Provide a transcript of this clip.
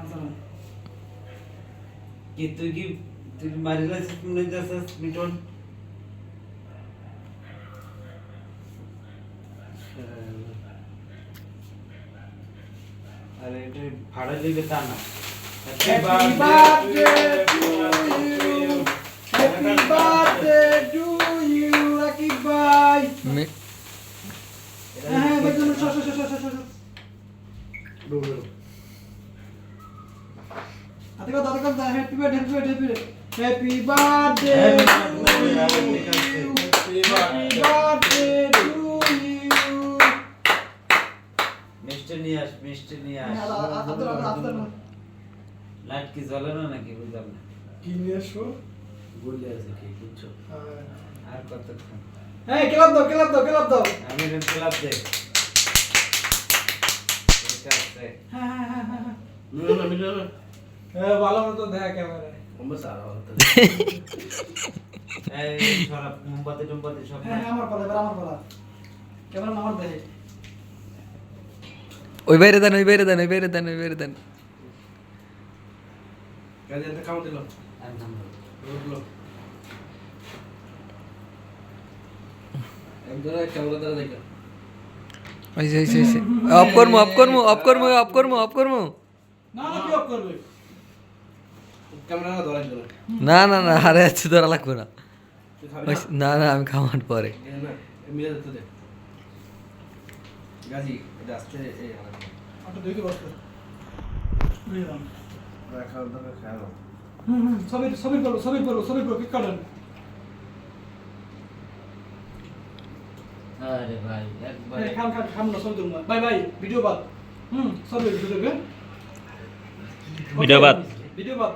কি তুই মারিলা মনে যাচ্ছিস মিটন আরে এটা ভাড়া দিবে তা না happy birthday to you lucky ভাই হ্যাঁ ভাই তুমি আতিকা দাদা happy birthday happy birthday happy birthday to you মিষ্টি নিয়ে আস লাইট কি জ্বলে না নাকি বুঝলাম না কি নিয়ে আসো বলে আছে কি বুঝছো আর কতক্ষণ এই ক্লাব দাও আমি রেন ক্লাব দে এটা আছে হ্যাঁ মিলো ভালো মতো দেখা ক্যামেরায় আমরা সারা হতো এই সব মোমবাতি সব হ্যাঁ আমার পালা ক্যামেরা আমার দেখে ওই বাইরে দেন কাজে একটা কাম দিল রুকলো একদম ক্যামেরা দ্বারা দেখো ওই অফ করমু না কি অফ করবে ক্যামেরা ধরা দিল না আরে আছে ধরা লাগবে না না আমি খাওয়ার পরে মিলে যেতে দে গাজি এটা আসছে এই আচ্ছা দেখি বসতে বুঝলাম রাখার দরকার খেয়াল সবই করো কি কাটেন আরে ভাই একবার খাম না সবই করুন বাই ভিডিও বাদ সবই ভিডিও ভিডিও বাদ ভিডিও বাদ